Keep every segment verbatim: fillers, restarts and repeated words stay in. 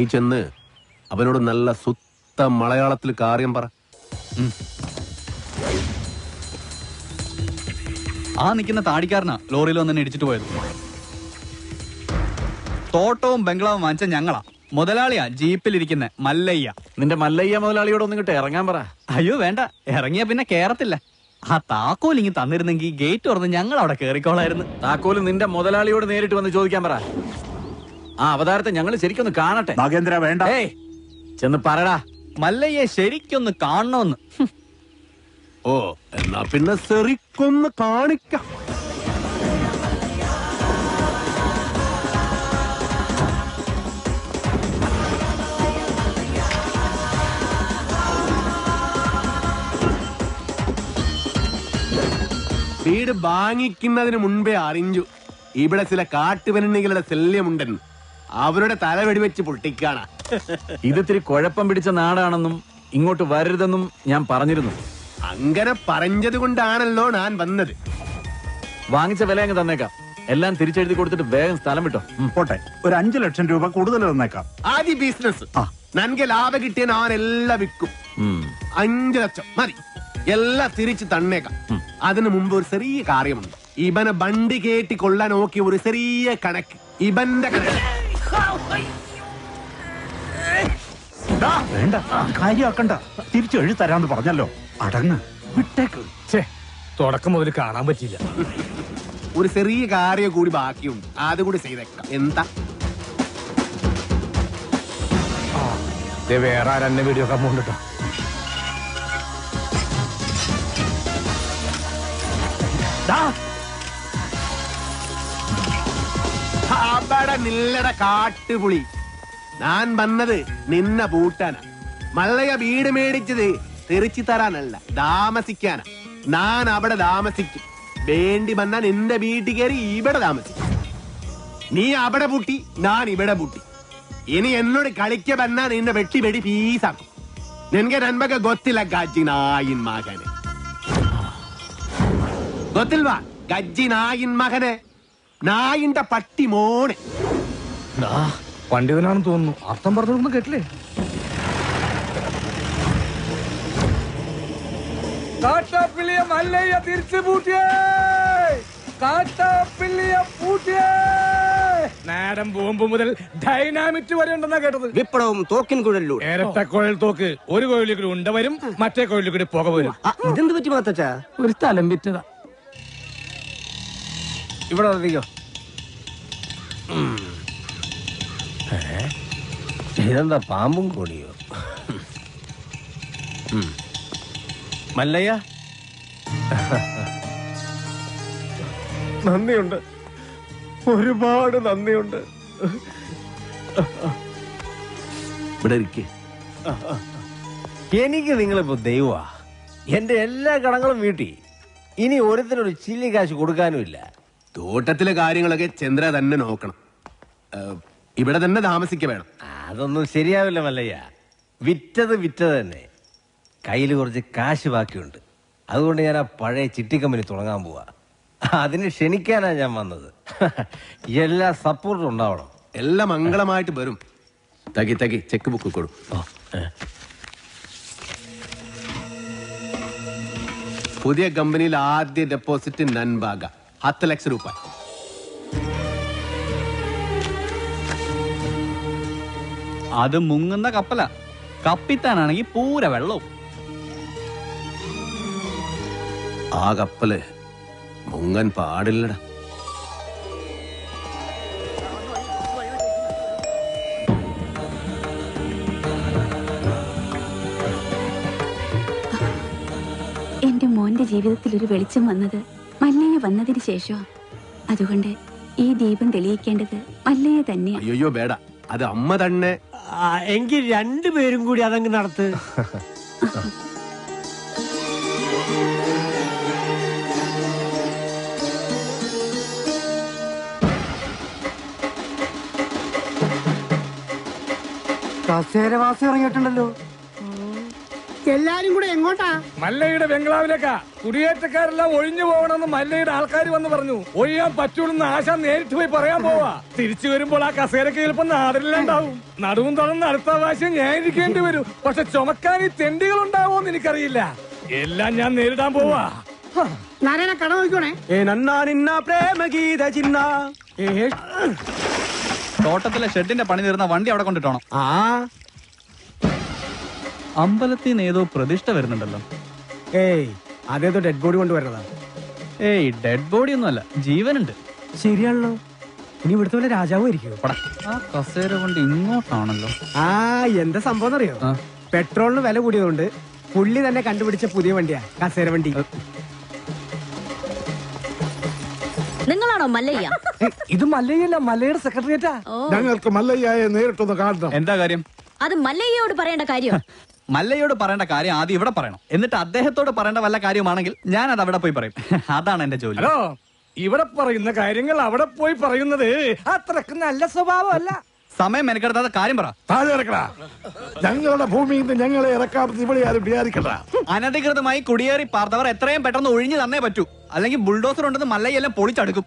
നീ ചെന്ന് അവനോട് നല്ല സുത്ത മലയാളത്തിൽ കാര്യം പറ. ആ നിൽക്കുന്ന താടിക്കാരനാ ലോറിയിൽ വന്നെ ഇടിച്ചിട്ട് പോയത്. തോട്ടവും ബംഗ്ലാവും വാങ്ങിച്ച ഞങ്ങളാ. മുതലാളിയാ ജീപ്പിലിരിക്കുന്ന മല്ലയ്യ. നിന്റെ മല്ലയ്യ മുതലാളിയോട് ഒന്നും കിട്ടെ ഇറങ്ങാൻ പറ. അയ്യോ വേണ്ട, ഇറങ്ങിയ പിന്നെ കേറത്തില്ല. ആ താക്കോൽ ഇങ്ങി തന്നിരുന്നെങ്കിൽ ഗേറ്റ് തുറന്ന് ഞങ്ങൾ അവിടെ കേറിക്കോളായിരുന്നു. താക്കോല് നിന്റെ മുതലാളിയോട് നേരിട്ട് വന്ന് ചോദിക്കാൻ പറ. ആ അവതാരത്തെ ഞങ്ങൾ ശരിക്കൊന്ന് കാണട്ടെ. നാഗേന്ദ്ര വേണ്ട. ഏയ് ചെന്ന് പറടാ. മല്ലയ്യെ ശരിക്കൊന്ന് കാണണമെന്ന്. ഓ എന്നാ പിന്നെ ശരിക്കൊന്ന് കാണിക്കാം. വീട് വാങ്ങിക്കുന്നതിന് മുൻപേ അറിഞ്ഞു ഇവിടെ ചില കാട്ടുപെണ്ണികളുടെ ശല്യമുണ്ടെന്ന്. അവരുടെ തല വെടിവെച്ച് പൊട്ടിക്കാണ. ഇതിത്തിരി കുഴപ്പം പിടിച്ച നാടാണെന്നും ഇങ്ങോട്ട് വരരുതെന്നും ഞാൻ പറഞ്ഞിരുന്നു. അങ്ങനെ പറഞ്ഞത് കൊണ്ടാണല്ലോ ഞാൻ വന്നത്. വാങ്ങിച്ച വില അങ്ങ് തന്നേക്കാം. എല്ലാം തിരിച്ചെഴുതി കൊടുത്തിട്ട് വേഗം സ്ഥലം വിട്ടോ. പോട്ടെ, ഒരു അഞ്ചു ലക്ഷം രൂപ കൂടുതൽ തന്നേക്കാം. ആദ്യ ബിസിനസ് നൻകെ ലാഭം കിട്ടിയ ഞാൻ എല്ലാം വിൽക്കും. അഞ്ചു ലക്ഷം മതി, എല്ലാം തിരിച്ചു തന്നേക്കാം. അതിനു മുമ്പ് ഒരു ചെറിയ കാര്യമുണ്ട്. ഇവനെ ബണ്ടി കേട്ടി കൊള്ളാൻ നോക്കിയ ഒരു ചെറിയ കണക്ക്. ഇവന്റെ കണക്ക് വേണ്ട, കാര്യമാക്കണ്ട. തിരിച്ചു എഴുതി തരാന്ന് പറഞ്ഞല്ലോ. അടങ്ങ്, വിട്ടേക്ക്. തുടക്കം മുതൽ കാണാൻ പറ്റില്ല. ഒരു ചെറിയ കാര്യം കൂടി ബാക്കിയുണ്ട്, അതുകൂടി ചെയ്തേക്കാം. എന്താ വേറെ ആരെന്നെ വീഡിയോ ഒക്കെ പോകണ്ടോ? അവിടെ നില്ലട കാട്ടുപുളി. ഞാൻ വന്നത് നിന്ന പൂട്ടാനാ. മല്ലയ വീട് മേടിച്ചത് തെറിച്ചു തരാനല്ല, താമസിക്കാനാ. ഞാൻ അവിടെ താമസിക്കും. വേണ്ടി വന്നാ നിന്റെ വീട്ടിൽ കയറി ഇവിടെ താമസിക്കും. നീ അവിടെ പൂട്ടി, ഞാൻ ഇവിടെ പൂട്ടി. ഇനി എന്നോട് കളിക്ക വന്നാ നിന്റെ വെട്ടി വെടി പീസാക്കും. നിനക്ക് നന്മക്ക് ಗೊತ್ತಿಲ್ಲ ಗಜ್ಜಿ ನಾಯಿನ್ ಮಗನೆ. ಗೊತ್ತಿಲ್ವಾ ಗಜ್ಜಿ ನಾಯಿನ್ മകനെ? നായിന്റെ പട്ടി മോനെ. പണ്ഡിതനാണെന്ന് തോന്നുന്നു. അർത്ഥം പറഞ്ഞൊന്നും കേട്ടില്ലേ? കാട്ടാപ്പിള്ളിയ മല്ലയ്യ തിരിച്ചു പൂട്ടിയേ. കാട്ടാപ്പിള്ളിയ പൂട്ടിയേ. നാടൻ ബോംബ് മുതൽ ഡൈനാമിറ്റ് വരെ ഉണ്ടെന്നാ കേട്ടത്. വിപ്ലവം തോക്കിൻ കുഴലിലൂടെ. ഇരട്ട കുഴൽ തോക്ക്. ഒരു കുഴലിൽ കൂടി ഉണ്ട വരും, മറ്റേ കുഴലിൽ കൂടി പുക വരും. ഇതെന്ത് പറ്റി മാത്തച്ചാ? ഒരു സ്ഥലം വിറ്റതാ. ഇവിടെ വന്നിരിക്കോ. ഇതെന്താ പാമ്പും കൂടിയോ? മല്ലയ്യ നന്ദിയുണ്ട്, ഒരുപാട് നന്ദിയുണ്ട്. ഇവിടെ ഇരിക്കേ. എനിക്ക് നിങ്ങളിപ്പോ ദൈവമാ. എന്റെ എല്ലാ കടങ്ങളും വീട്ടി. ഇനി ഓരോരുത്തരൊരു ചില്ലി കാശ് കൊടുക്കാനുമില്ല. തോട്ടത്തിലെ കാര്യങ്ങളൊക്കെ ചന്ദ്ര തന്നെ നോക്കണം. ഇവിടെ തന്നെ താമസിക്ക വേണം. അതൊന്നും ശരിയാവില്ല മല്ലയ്യ. വിറ്റത് വിറ്റത് തന്നെ. കയ്യിൽ കുറച്ച് കാശ് ബാക്കിയുണ്ട്. അതുകൊണ്ട് ഞാൻ ആ പഴയ ചിട്ടി കമ്പനി തുടങ്ങാൻ പോവാ. അതിന് ക്ഷണിക്കാനാ ഞാൻ വന്നത്. എല്ലാ സപ്പോർട്ടും ഉണ്ടാവണം. എല്ലാം മംഗളമായിട്ട് വരും. തകി തകി ചെക്ക് ബുക്ക് കൊടു. പുതിയ കമ്പനിയിൽ ആദ്യ ഡെപ്പോസിറ്റ് നൻബാഗ ಹತ್ತು ಲಕ್ಷ ರೂಪಾಯಿ. അത് മുങ്ങുന്ന കപ്പല. കപ്പിത്താനാണെങ്കിൽ പൂര വെള്ളവും. ആ കപ്പല് മുങ്ങൻ പാടില്ലട. എന്റെ മോന്റെ ജീവിതത്തിൽ ഒരു വെളിച്ചം വന്നത് മല്ലയ്യ വന്നതിന് ശേഷം. അതുകൊണ്ട് ഈ ദീപം തെളിയിക്കേണ്ടത് മല്ലയ്യ തന്നെയാണ്. അയ്യോ വേട, അത് അമ്മ തന്നെ. എങ്കിൽ രണ്ടുപേരും കൂടി അതങ്ങ് നടത്ത്. കസേരവാസി ഇറങ്ങിയിട്ടുണ്ടല്ലോ. എല്ലാരും കൂടെ എങ്ങോട്ടാ? മല്ലയുടെ ബംഗ്ലാവിലേക്കാ. കുടിയേറ്റക്കാരെല്ലാം ഒഴിഞ്ഞു പോകണമെന്ന് മല്ലയുടെ ആൾക്കാർ വന്ന് പറഞ്ഞു. ഒഴിയാൻ പറ്റൂലെന്ന് ആശ നേരിട്ട് പോയി പറയാൻ പോവാ. തിരിച്ചു വരുമ്പോൾ ആ കസേരക്ക് ചിലപ്പോ നാടിലുണ്ടാവും. നടുവും തുറന്ന് അടുത്ത പ്രാവശ്യം ഞാൻ ഇരിക്കേണ്ടി വരും. പക്ഷെ ചുമക്കാൻ ഈ തെണ്ടികൾ ഉണ്ടാവോന്ന് എനിക്കറിയില്ല. എല്ലാം ഞാൻ നേരിടാൻ പോവാ. നാരായണ കട നോക്കണേ. തോട്ടത്തിലെ ഷെഡിന്റെ പണി തീർന്ന വണ്ടി അവിടെ കൊണ്ടിട്ടോണം. ആ അമ്പലത്തിൽ നിന്ന് ഏതോ പ്രതിഷ്ഠ വരുന്നുണ്ടല്ലോ. ഏയ് അതേതോ ഡെഡ് ബോഡി കൊണ്ടുവരണതാ. ഏയ് ഡെഡ് ബോഡി ഒന്നും അല്ല, ജീവനുണ്ട്. ശരിയാണല്ലോ. ഇനി ഇവിടുത്തെ വല്ല രാജാവും ആയിരിക്കും. ആ കസേര കൊണ്ട് ഇങ്ങോട്ടാണല്ലോ. ആ എന്താ സംഭവം അറിയോ? ആ. പെട്രോളിന് വില കൂടിയതുകൊണ്ട് പുള്ളി തന്നെ കണ്ടുപിടിച്ച പുതിയ വണ്ടിയാ കസേര വണ്ടി. നിങ്ങളാണോ മല്ലയ്യ? ഇത് മല്ലയല്ല, മല്ലയുടെ സെക്രട്ടറിയേറ്റാ. ഞങ്ങൾക്ക് മല്ലയ്യയെ നേരിട്ടൊന്ന് കാണണം. എന്താ കാര്യം? അത് മല്ലയ്യയോട് പറയേണ്ട കാര്യം. മല്ലയോട് പറയേണ്ട കാര്യം ആദ്യം ഇവിടെ പറയണം. എന്നിട്ട് അദ്ദേഹത്തോട് പറയേണ്ട വല്ല കാര്യമാണെങ്കിൽ ഞാൻ അത് അവിടെ പോയി പറയും. അതാണ് എന്റെ ജോലി. ഹലോ, ഇവിടെ പറയുന്ന കാര്യങ്ങൾ അവിടെ പോയി പറയുന്നത് അത്രക്ക് നല്ല സ്വഭാവമല്ല. സമയം മെനക്കെടുത്താത്ത കാര്യം പറ. താഴെ ഇറക്കടാ. ഞങ്ങളുടെ ഭൂമിയിൽ നിന്ന് ഞങ്ങളെ ഇറക്കാമെന്ന് ഇവിടെ ആരും വിചാരിക്കണ്ട. അനധികൃതമായി കുടിയേറി പാർത്തവർ എത്രയും പെട്ടെന്ന് ഒഴിഞ്ഞു തന്നേ പറ്റൂ. അല്ലെങ്കിൽ ബുൾഡോസർ ഉണ്ടെന്ന് മല്ലയെല്ലാം പൊളിച്ചടുക്കും.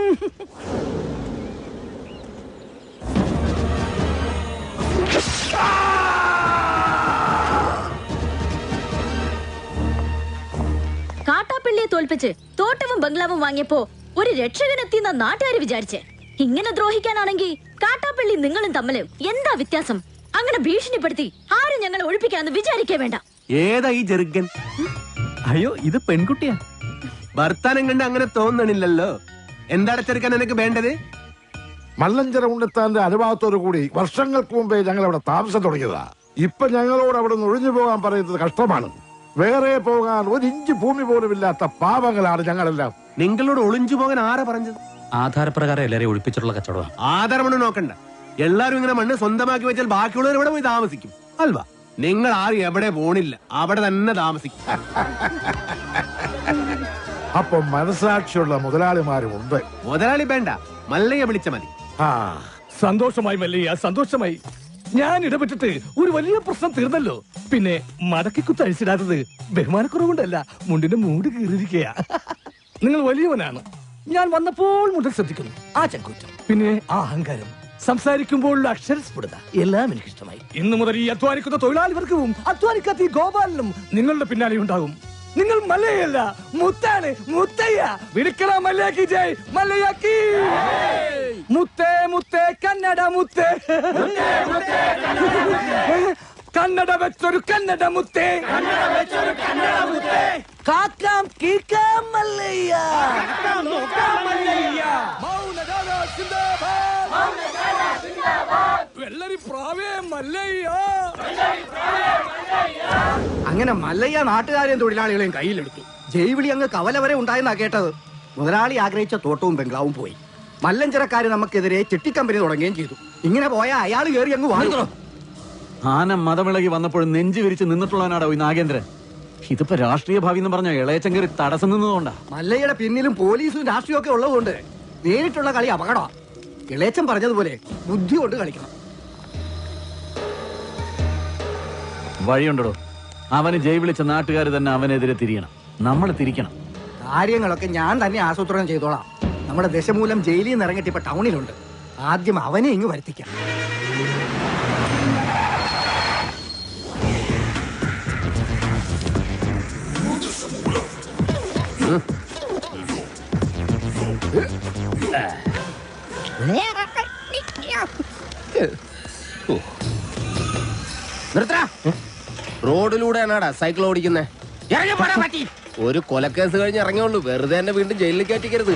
കാട്ടാപ്പിള്ളിയെ തോൽപ്പിച്ച് തോട്ടവും ബംഗ്ലാവും വാങ്ങിയപ്പോ ഒരു രക്ഷകനെത്തിയെന്ന നാട്ടുകാർ വിചാരിച്ചേ. ഇങ്ങനെ ദ്രോഹിക്കാനാണെങ്കിൽ കാട്ടാപ്പിള്ളി നിങ്ങളും തമ്മില് എന്താ വ്യത്യാസം? അങ്ങനെ ഭീഷണിപ്പെടുത്തി ആരും ഞങ്ങളെ ഒഴിപ്പിക്കാന്ന് വിചാരിക്കേ വേണ്ട. ഏതാ ഈ ജെറുഗൻ? അയ്യോ, ഇത് പെൺകുട്ടിയാ. വർത്താനം കണ്ട് അങ്ങനെ തോന്നണില്ലല്ലോ. എന്താണ് ചെറുക്കാൻ എനിക്ക് വേണ്ടത്? മല്ലഞ്ചര ഉണ്ണിത്താന്റെ അനുഭവത്തോടു കൂടി വർഷങ്ങൾക്ക് മുമ്പേ ഞങ്ങൾ അവിടെ താമസം തുടങ്ങിയതാ. ഇപ്പൊ ഞങ്ങളോട് അവിടെ നിന്ന് ഒഴിഞ്ഞു പോകാൻ പറയുന്നത് കഷ്ടമാണ്. വേറെ പോകാൻ ഒരു ഇഞ്ച് ഭൂമി പോലും ഇല്ലാത്ത പാവങ്ങളാണ് ഞങ്ങളെല്ലാം. നിങ്ങളോട് ഒളിഞ്ചു പോകാൻ ആരാ പറഞ്ഞത്? ആധാരപ്രകാരം എല്ലാരെയും ഒഴിപ്പിച്ചിട്ടുള്ള കച്ചവടം. ആധാരമണ്ണ് നോക്കണ്ട. എല്ലാരും ഇങ്ങനെ മണ്ണ് സ്വന്തമാക്കി വെച്ചാൽ ബാക്കിയുള്ളവർ ഇവിടെ പോയി താമസിക്കും അൽവാ. നിങ്ങൾ ആരും എവിടെ പോണില്ല, അവിടെ തന്നെ താമസിക്കും. അപ്പൊ മനസാക്ഷിയുള്ള മുതലാളിമാരും ഉണ്ട്. മുതലാളി വേണ്ട, മല്ലയെ വിളിച്ച മതി. ആ സന്തോഷമായി മല്ലയ്യ, സന്തോഷമായി. ഞാൻ ഇടപെട്ടിട്ട് ഒരു വലിയ പ്രശ്നം തീർന്നല്ലോ. പിന്നെ മടക്കി കുത്തഴിച്ചിടാത്തത് ബഹുമാനക്കുറവുകൊണ്ടല്ല, മുണ്ടിന്റെ മൂട് കീറിയിരിക്കുക. നിങ്ങൾ വലിയവനാണ്. ഞാൻ വന്നപ്പോൾ മുതൽ ശ്രദ്ധിക്കുന്നു ആ ചങ്കൂറ്റം, പിന്നെ ആ അഹങ്കാരം, സംസാരിക്കുമ്പോഴുള്ള അക്ഷരസ്ഫുടത എല്ലാം എനിക്ക് ഇഷ്ടമായി. ഇന്നു മുതൽ ഈ അധ്വാനിക്കുന്ന തൊഴിലാളി വർഗവും അധ്വാനിക്കാത്ത ഈ ഗോപാലനും നിങ്ങളുടെ പിന്നാലെ ഉണ്ടാകും. നിങ്ങൾ മല്ലയല്ല, മുത്താണ്, മുത്തയ്യ. വിളിക്കണ മല്ലയാക്കി ജയ്, മല്ലയാക്കി. മുത്തേ മുത്തേ കന്നഡ മുത്തേ, കന്നഡ വെച്ചൊരു കന്നഡ മുത്തേ, കാക്കാം കീക്കാം മല്ലയ്യ, വെള്ളരി പ്രാവേ മല്ലയ്യ. അങ്ങനെ മല്ലയ്യ നാട്ടുകാരെയും തൊഴിലാളികളെയും കയ്യിലെടുത്തു. ജൈവിളി അങ്ങ് കവല വരെ ഉണ്ടായെന്നാ കേട്ടത്. മുതലാളി ആഗ്രഹിച്ച തോട്ടവും ബംഗ്ലാവും പോയി. മല്ലഞ്ചരക്കാര് നമുക്കെതിരെ ചിട്ടിക്കമ്പനി തുടങ്ങുകയും ചെയ്തു. ഇങ്ങനെ പോയാൽ അയാൾ കയറി അങ്ങ് വാങ്ങുന്നു. ആന മതമിളകി വന്നപ്പോഴും നെഞ്ചു വിരിച്ച് നിന്നിട്ടുള്ളവനാടോ ഈ നാഗേന്ദ്രൻ. ഇതിപ്പോ രാഷ്ട്രീയ ഭാവി എന്ന് പറഞ്ഞ ഇളയച്ചൻ കയറി തടസ്സം നിന്നതുകൊണ്ടാ. മല്ലയ്യയുടെ പിന്നിലും പോലീസും രാഷ്ട്രീയം ഒക്കെ ഉള്ളതുകൊണ്ട് നേരിട്ടുള്ള കളി അപകടമാണ്. ഇളയച്ചൻ പറഞ്ഞതുപോലെ ബുദ്ധി കൊണ്ട് കളിക്കണം. വഴിയുണ്ടോ? അവന് ജയ് വിളിച്ച നാട്ടുകാർ തന്നെ അവനെതിരെ തിരിയണം. നമ്മൾ തിരിക്കണം. കാര്യങ്ങളൊക്കെ ഞാൻ തന്നെ ആസൂത്രണം ചെയ്തോളാം. നമ്മുടെ ദശമൂലം ജയിലിൽ നിന്ന് ഇറങ്ങിയിട്ട് ഇപ്പൊ ടൗണിലുണ്ട്. ആദ്യം അവനെ ഇങ്ങ് വരുത്തിക്കാം. റോഡിലൂടെയാണാടാ സൈക്കിൾ ഓടിക്കുന്നേ? ഒരു കൊലക്കേസ് കഴിഞ്ഞ് ഇറങ്ങിയുള്ളൂ, വെറുതെ എന്നെ വീണ്ടും ജയിലിൽ കയറ്റിക്കരുത്.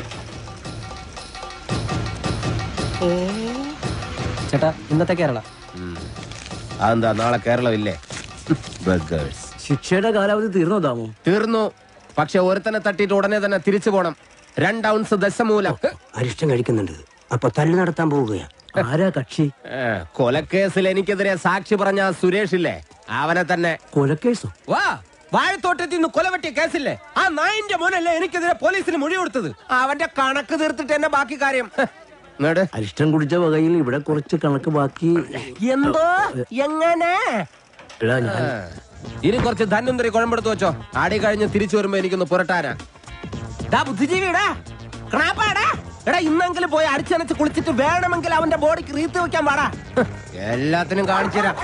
ചേട്ടാ, ഇന്നത്തെ കേരള അതെന്താ നാളെ കേരളമില്ലേ? ശിക്ഷയുടെ കാലാവധി തീർന്നോ താമോ? തീർന്നു. പക്ഷെ ഒരുത്തനെ തട്ടിയിട്ട് ഉടനെ തന്നെ തിരിച്ചു പോണം. രണ്ട് ഔൺസ് ദശമൂലം. അരിഷ്ടം കഴിക്കുന്നുണ്ട്. അപ്പൊ തല്ലു നടത്താൻ പോവുകയാ. ആരാ കക്ഷി? കൊലക്കേസിൽ എനിക്കെതിരെ സാക്ഷി പറഞ്ഞ സുരേഷ് ഇല്ലേ, അവനെ തന്നെ. കൊലക്കേസോ? വാ, വാഴത്തോട്ടത്തിൽ നിന്ന് കൊലവെട്ടിയ കേസില്ലേ, ആ നായിന്റെ മോനല്ലേ എനിക്കെതിരെ പോലീസിന് മൊഴി കൊടുത്തത്. അവന്റെ കണക്ക് തീർത്തിട്ട് എന്നെ ബാക്കി കാര്യം. അരിഷ്ടം കുടിച്ച വകയിൽ ഇവിടെ കുറച്ച് കണക്ക് ബാക്കി. എന്തോ എങ്ങനെ? ഇനി കുറച്ച് ധന്വന്തരി കുഴമ്പെടുത്ത് വെച്ചോ. ആടി കഴിഞ്ഞ് തിരിച്ചു വരുമ്പോ എനിക്കൊന്ന് പുരട്ടാനാ. ഡാ ബുദ്ധിജീവിടാ, ക്രാപ്പാടാ, എടാ ഇന്നെങ്കിലും പോയി അടിച്ചനച്ച് കുളിച്ചിട്ട് വേണമെങ്കിൽ അവന്റെ ബോഡിക്ക് റീത്ത് വെക്കാൻ പാടാ. എല്ലാത്തിനും കാണിച്ചു തരാം.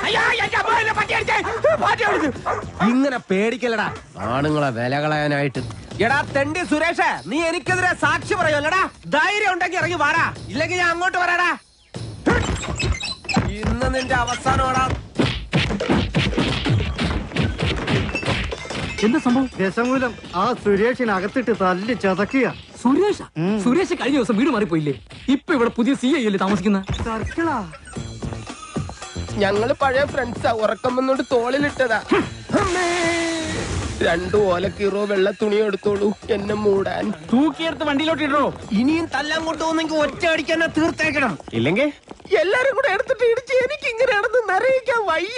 ഇങ്ങനെ പേടിക്കലടാ ആണുങ്ങളെ വില കളയാനായിട്ട്. എടാ തെണ്ടി സുരേഷ്, നീ എനിക്കെതിരെ സാക്ഷി പറയുമല്ലടാ. ധൈര്യം ഉണ്ടെങ്കിൽ ഇറങ്ങി വാടാ, ഇല്ലെങ്കിൽ ഞാൻ അങ്ങോട്ട് വരാടാ. ഇന്ന് നിന്റെ അവസാനമാടാ. എന്താ സംഭവം? രസമൂലം ആ സുരേഷിനകത്തിട്ട് തല്ലി ചതക്കുക. സുരേഷ സുരേഷ് കഴിഞ്ഞ ദിവസം വീട് മാറിപ്പോയില്ലേ? ഇപ്പൊ ഇവിടെ പുതിയ സി ഐ അല്ലേ താമസിക്കുന്ന? സർക്കിളാ. ഞങ്ങള് പഴയ ഫ്രണ്ട്സാ. ഉറക്കം വന്നോണ്ട് തോളിലിട്ടതാ. രണ്ടു ഓലക്കീറോ വെള്ള തുണി എടുത്തോളൂ എന്നെ മൂടാൻ. തൂക്കിയെടുത്ത് വണ്ടിയിലോട്ട് ഇടോ. ഇനിയും തല്ലാൻ കൊണ്ടുപോകുന്നെങ്കിൽ ഒറ്റ അടിക്കാൻ തീർത്തേക്കണം. ഇല്ലെങ്കിൽ എല്ലാരും കൂടെ എടുത്തിട്ട് ഇടിച്ച് എനിക്ക് ഇങ്ങനെയാണെന്ന് നിറയിക്കാൻ വയ്യ.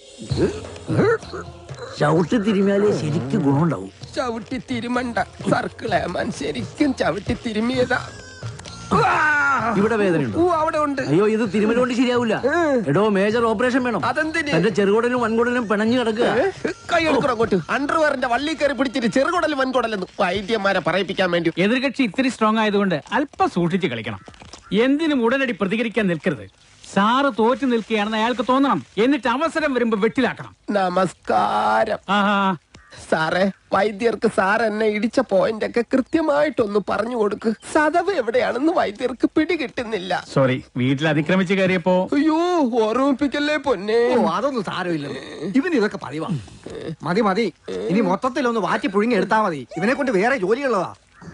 ചവിട്ടി തിരുമിയാലേ ശരിക്കും ഗുണമുണ്ടാവും. ചവിട്ടി തിരുമണ്ട സർക്കിളേമാൻ, ശരിക്കും ചവിട്ടി തിരുമിയതാ. ഇവിടെ വേദനയുണ്ടോ? അവിടെ ഉണ്ട്. അയ്യോ, ഇത് തിരുമല കൊണ്ട് ശരിയാവില്ല. എടോ, മേജർ ഓപ്പറേഷൻ വേണം. അതെന്തിന്? എന്റെ ചെറുകുടലും വൻകുടലും പിണഞ്ഞു കിടക്കുക. കൈ എടുക്കണം അങ്ങോട്ട്. അണ്ടർവെയറിന്റെ വള്ളി കയറി പിടിച്ചിട്ട് ചെറുകുടലും വൻകുടലെന്ന് വൈദ്യന്മാരെ പറയിപ്പിക്കാൻ വേണ്ടി. എതിർകക്ഷി ഇത്തിരി സ്ട്രോങ് ആയതുകൊണ്ട് അല്പം സൂക്ഷിച്ച് കളിക്കണം. എന്തിനും ഉടനടി പ്രതികരിക്കാൻ നിൽക്കരുത്. സാറ് തോറ്റു നിൽക്കുകയാണെന്ന് അയാൾക്ക് തോന്നണം. എന്നിട്ട് അവസരം വരുമ്പോ വെട്ടിലാക്കണം. നമസ്കാരം. ആഹാ, സാറേ, വൈദ്യർക്ക് സാർ എന്നെ ഇടിച്ച പോയിന്റ് ഒക്കെ കൃത്യമായിട്ടൊന്ന് പറഞ്ഞു കൊടുക്ക്. സദവ് എവിടെയാണെന്ന് വൈദ്യർക്ക് പിടികിട്ടുന്നില്ല. സോറി, വീട്ടിൽ അതിക്രമിച്ച് കയറിയപ്പോ. അയ്യോ, ഓർമ്മിപ്പിക്കല്ലേ പൊന്നെ. ഓ, അതൊന്നും സാരമില്ല. ഇവന് ഇതൊക്കെ പറയുവാ. മതി മതി, ഇനി മൊത്തത്തിലൊന്ന് വാറ്റി പുഴുങ്ങി എടുത്താ മതി. ഇവനെ കൊണ്ട് വേറെ ജോലിയുള്ളതാ.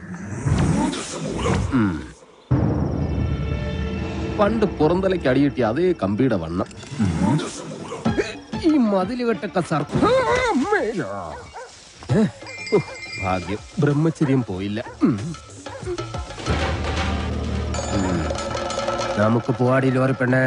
പണ്ട് പുറന്തലയ്ക്ക് അടിയിട്ടി അതേ കമ്പിയുടെ വണ്ണം. ഈ മതിലുകെട്ടൊക്കെ സാർ ഭാഗ്യം, ബ്രഹ്മചര്യം പോയില്ല. നമുക്ക് പോവാടി ലോറി പെണ്ണേ.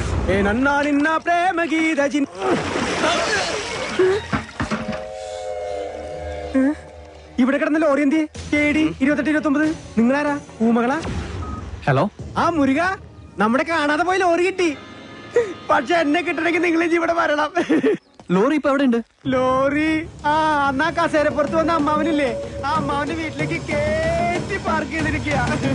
ഇവിടെ കിടന്ന ലോറി എന്തി കേടി ഇരുപത്തെട്ട് ഇരുപത്തി ഒമ്പത്. നിങ്ങളാരാ? ഊമകളാ? ഹലോ, ആ മുരുക, നമ്മുടെ കാണാതെ പോയി ലോറി കിട്ടി. പക്ഷെ എന്നെ കിട്ടണമെങ്കിൽ നിങ്ങൾ ഇവിടെ വരണം. ലോറി ഇപ്പൊ എവിടെ ഉണ്ട്? ലോറി ആ അന്നാ കസേരപ്പുറത്ത് വന്ന അമ്മാവനില്ലേ, ആ അമ്മാവന്റെ വീട്ടിലേക്ക് കേറ്റി പാർക്ക് ചെയ്തിരിക്കുക.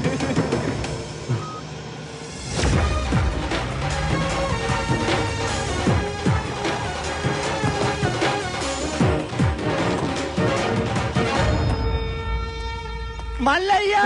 മല്ലയ്യ,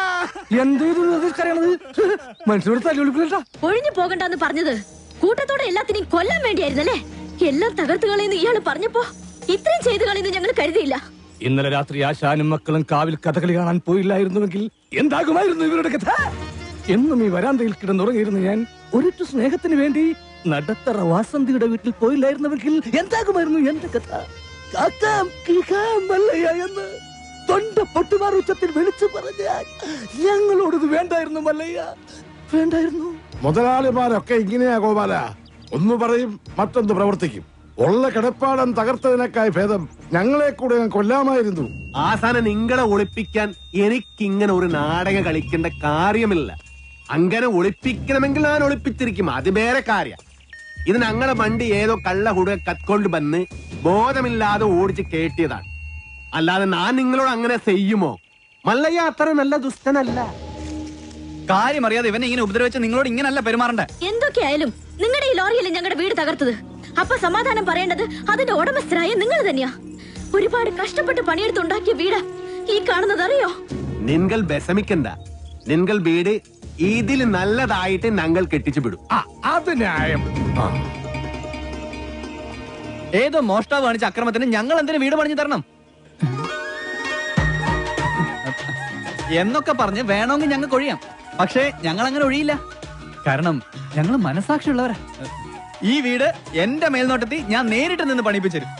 മനുഷ്യരോട് തല്ലുകൊടുക്കില്ല. ഒഴിഞ്ഞു പോകണ്ടെന്ന് പറഞ്ഞത് കൂട്ടത്തോടെ എല്ലാത്തിനെയും കൊല്ലാൻ വേണ്ടിയായിരുന്നല്ലേ? എല്ലാം തകർത്ത് കളയുന്ന ഇയാള് പറഞ്ഞപ്പോ ഇത്രയും ചെയ്തു കളയുന്നു ഞങ്ങൾ കരുതിയില്ല. ഇന്നലെ രാത്രി ആശാനും മക്കളും കാവിൽ കഥകളി കാണാൻ പോയില്ലായിരുന്നുവെങ്കിൽ എന്താകുമായിരുന്നു ഇവരുടെ കഥ? എന്നും ഈ വരാന്തയിൽ കിടന്നുറങ്ങിയിരുന്നു ഞാൻ. ഒരിറ്റു സ്നേഹത്തിന് വേണ്ടി നടത്തറ വാസന്തിയുടെ വീട്ടിൽ പോയില്ലായിരുന്നുവെങ്കിൽ എന്താകുമായിരുന്നു എന്റെ കഥ? കാക്കാം കേൾക്കാം മല്ലയ്യ എന്ന് തൊണ്ട പൊട്ടുമാർ ഉച്ചത്തിൽ വിളിച്ചു പറഞ്ഞാൽ ഞങ്ങളോടത് വേണ്ടായിരുന്നു മല്ലയ്യ, വേണ്ടായിരുന്നു. മുതലാളിമാരൊക്കെ ഇങ്ങനെയാ ഗോപാല. ഒന്ന് പറയും, മറ്റൊന്ന് പ്രവർത്തിക്കും. ഉള്ള കിടപ്പാടം തകർത്തതിനേക്കായി ഭേദം ഞങ്ങളെ കൂടെ കൊല്ലാമായിരുന്നു. ആസാനം നിങ്ങളെ ഒളിപ്പിക്കാൻ എനിക്കിങ്ങനെ ഒരു നാടകം കളിക്കേണ്ട കാര്യമില്ല. അങ്ങനെ ഒളിപ്പിക്കണമെങ്കിൽ ഞാൻ ഒളിപ്പിച്ചിരിക്കും, അത് വേറെ കാര്യം. ഇത് ഞങ്ങളെ വണ്ടി ഏതോ കള്ള കുടുക കത്കൊണ്ട് വന്ന് ബോധമില്ലാതെ ഓടിച്ച് കേട്ടിയതാണ്. അല്ലാതെ ഞാൻ നിങ്ങളോട് അങ്ങനെ ചെയ്യുമോ? മല്ലയ്യ അത്ര നല്ല ദുഷ്ടനല്ല. കാര്യം അറിയാതെ ഇവനെ ഇങ്ങനെ ഉപദ്രവിച്ച് നിങ്ങളോട് ഇങ്ങനല്ല പെരുമാറണ്ടേ. എന്തൊക്കെയായാലും നിങ്ങളുടെ ഈ ലോറിയല്ലേ ഞങ്ങളുടെ വീട് തകർത്തത്. അപ്പൊ സമാധാനം പറയേണ്ടത് അതിന്റെ ഉടമസ്ഥരായ നിങ്ങൾ തന്നെയാ. ഒരുപാട് കഷ്ടപ്പെട്ട് പണിയെടുത്തുണ്ടാക്കിയ വീട് ഈ കാണുന്നത് അറിയോ? നിങ്ങൾ വിഷമിക്കണ്ട. നിങ്ങൾ വീട് ഇതിൽ നല്ലതായിട്ട് ഞങ്ങൾ കെട്ടിച്ചു വിടും. അത് ന്യായം. ഏതോ മോഷ്ടാവ് കാണിച്ച അക്രമത്തിന് ഞങ്ങൾ എന്തിനു വീട് പണിഞ്ഞു തരണം എന്നൊക്കെ പറഞ്ഞ് വേണമെങ്കിൽ ഞങ്ങൾക്ക് ഒഴിയാം. പക്ഷേ ഞങ്ങൾ അങ്ങനെ ഒഴിയില്ല. കാരണം ഞങ്ങൾ മനസാക്ഷിയുള്ളവരാ. ഈ വീട് എന്റെ മേൽനോട്ടത്തിൽ ഞാൻ നേരിട്ട് നിന്ന് പണിപ്പിച്ചു തരും.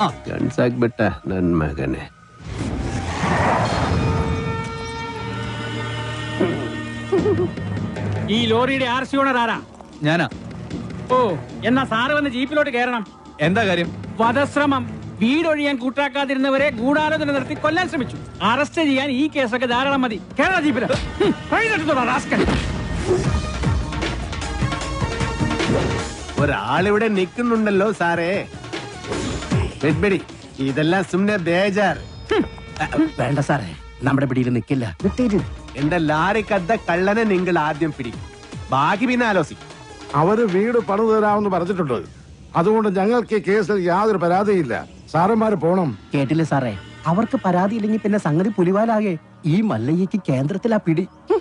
ഈ ലോറിയുടെ ആർ സി ഓണർ ആരാ? ഞാനാ. ഓ, എന്നാ സാറ് വന്ന് ജീപ്പിലോട്ട് കയറണം. എന്താ കാര്യം? വധശ്രമം. വീടൊഴിയാൻ കൂട്ടാക്കാതിരുന്നവരെ ഗൂഢാലോചന നടത്തി കൊല്ലാൻ ശ്രമിച്ചു. അറസ്റ്റ് ചെയ്യാൻ ഈ കേസൊക്കെ ധാരാളം മതി. കേരള ജീപ്പില് ഒരാളിവിടെ നിൽക്കുന്നുണ്ടല്ലോ സാറേ. വെഡ്ബെടി ഇതെല്ലാം സുമ്നെ ബേജാർ. വേണ്ട സാറേ, നമ്മുടെ പിടിയിൽ നിൽക്കില്ല. എന്റെ ലാരിക്കദ്ദ കള്ളനെ നിങ്ങൾ ആദ്യം പിടിക്കും, ബാക്കി പിന്നെ ആലോചിക്കും. അവര് വീട് പണിതു തരാമെന്ന് പറഞ്ഞിട്ടുണ്ട്. അതുകൊണ്ട് ഞങ്ങൾക്ക് ഈ കേസിൽ യാതൊരു പരാതിയില്ല. സാറന്മാര് പോണം. കേട്ടില്ലേ സാറേ, അവർക്ക് പരാതി ഇല്ലെങ്കിൽ പിന്നെ സംഗതി പുലിവാലാകെ. ഈ മല്ലയ്യക്ക് കേന്ദ്രത്തിലാ പിടി.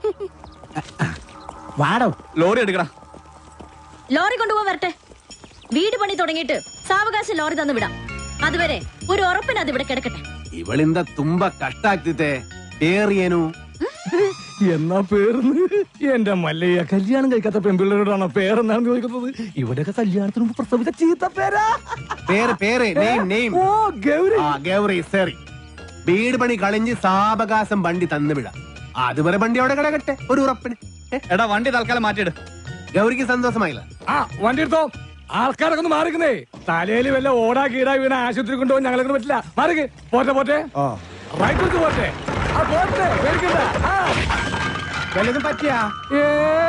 വാടോ. ലോറി എടുക്കടാ. ലോറി കൊണ്ടുപോകാൻ വരട്ടെ. വീട് പണി തുടങ്ങിയിട്ട് സാവകാശം ലോറി തന്നു വിടാം. അതുവരെ ഒരു ഉറപ്പിന് അത് ഇവിടെ കിടക്കട്ടെ. ഇവളിന്ത തുമ്പ കഷ്ടാക്കിത്തെ പേറിയനു എന്നാ പേർന്ന് എന്റെ മല്ലയ്യ കല്യാണം കഴിക്കാത്ത പെൺപിള്ളേരോടാണോ പേരെന്നാണ് ചോദിക്കുന്നത്? ഇവിടെയൊക്കെ കല്യാണത്തിന് മുമ്പ് പ്രസവിച്ച ചീത്ത പേരാ. പേര് പേര് നെയിം നെയിം ഓ ഗൗരി. ആ ഗൗരി സറി. വീട് പണി കളിഞ്ഞ് സാവകാശം വണ്ടി തന്നു വിടാം. അതുവരെ വണ്ടി അവിടെ കിടക്കട്ടെ ഒരു ഉറപ്പിന്. എടാ വണ്ടി തൽക്കാലം മാറ്റിയിട്. ഗൗരിക്ക് സന്തോഷമായില്ല. ആ വണ്ടി എടുത്തോ. ആൾക്കാരൊക്കെ ഒന്ന് മാറിക്കുന്നേ. തലയിൽ വല്ല ഓടാ കീടാ വീണ ആശുപത്രി കൊണ്ടുപോകാൻ ഞങ്ങളെ കൊണ്ട് പറ്റില്ല. മാറിക്ക്. പോട്ടെ പോട്ടെ റൈറ്റ് പോട്ടെ. ആ പോട്ടെ. വല്ലതും പറ്റിയാ? ഏ